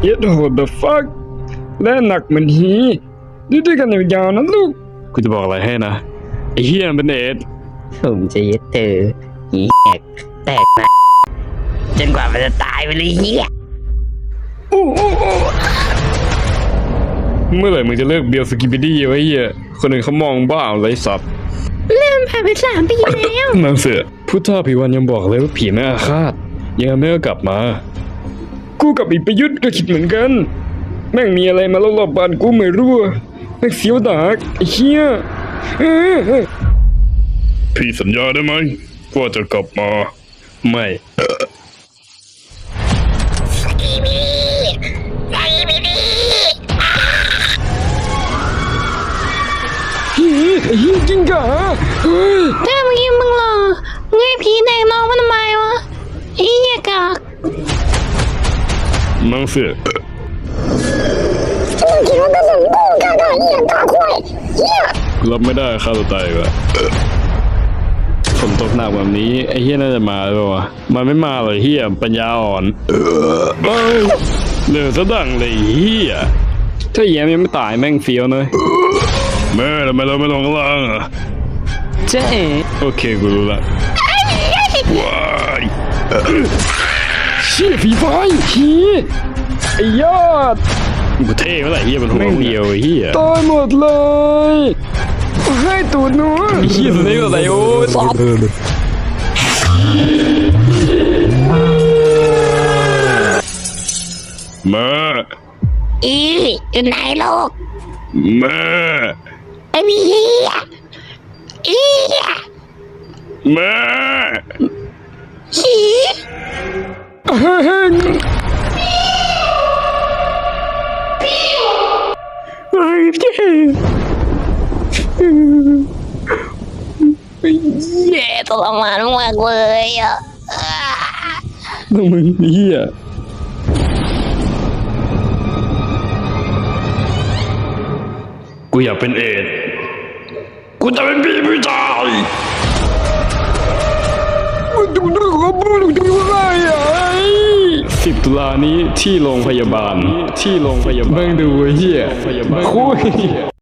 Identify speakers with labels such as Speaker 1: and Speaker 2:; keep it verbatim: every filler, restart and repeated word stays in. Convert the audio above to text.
Speaker 1: เย็ดโหด the fuck และหนักเหมือนหีดูด้วยกันยาวๆนะลูกกูจะบอกอะไรให้นะไอ้เฮียมันเป็นเอด
Speaker 2: ผมจะยึดเธอหีแหกแตกนะจนกว่ามันจะตายไปเลยเฮีย
Speaker 1: เมื่อไหร่มึงจะเลิกเบียร์สกิปปี้ไว้เฮียคนอื่นเขามองบ้าอะไรสัตว์
Speaker 3: เริ่มผ่านไปสามปีแล้ว
Speaker 1: นางเสือพุทธาภิวันยังบอกเลยว่าผีไม่อาฆาตยังไม่ก็กลับมากูกับอีประยุทธ์ก็คิดเหมือนกันแม่งมีอะไรมาลอบๆบ้านกูไม่รู้แม่งเสียวดากไอ้เหี้ยพี่สัญญาได้ไหมว่าจะกลับมาไม่
Speaker 3: สกีบีสกีบีบี
Speaker 1: เฮ้ยไอ้เหี้ยจริงกะเฮ้ย
Speaker 3: ถ้าเมื่อกี้มึงหรอเงยผีแดงน้องมันทำไมวะไอ้เหี้ยกาก
Speaker 1: นางเสือ
Speaker 3: มึงคิดว่าเป็นสมบูรณ์กันได้ยังตาควายเหี้ย
Speaker 1: รับไม่ได้ฆ่าตัวตายว่ะฝนตกหนักแบบนี้ไอ้เฮียน่าจะมาหรือเปล่าวะมันไม่มาเลยเฮียปัญญาอ่อนเอ้ยเหลือซะดังเลยเฮียถ้าแย้มยังไม่ตายแม่งเฟี้ยวเลยแม่ทำไมเราไม่ลงข้างล่างอ่ะ
Speaker 2: เจ๊
Speaker 1: โอเคกูรู้ละว้ายเชี่ยฝีไฟเฮียไอ้ยอดกูเท่เมื่อไหร่เฮียมันหัวเดียวเฮียตายหมดเลยให้ตูดหนูเฮียสุดนี้ก็ใส่โอ้ซอบมา
Speaker 3: อีอยู่ไหนลูก
Speaker 1: มา
Speaker 3: ไอ้เหี้ยอี
Speaker 1: มา
Speaker 3: ฉี
Speaker 1: เฮ้ยไอ้เจ๊
Speaker 3: แย่ทรมานมากเลยอ่ะ
Speaker 1: น้องมึงเหี้ยกูอยากเป็นเอดกูจะเป็นพี่ผู้ชายมึงดูดูเขาพูดดูอะไรอ่ะสิบตุลานี้ที่โรงพยาบาลที่โรงพยาบาลแม่งดูเหี้ยคุย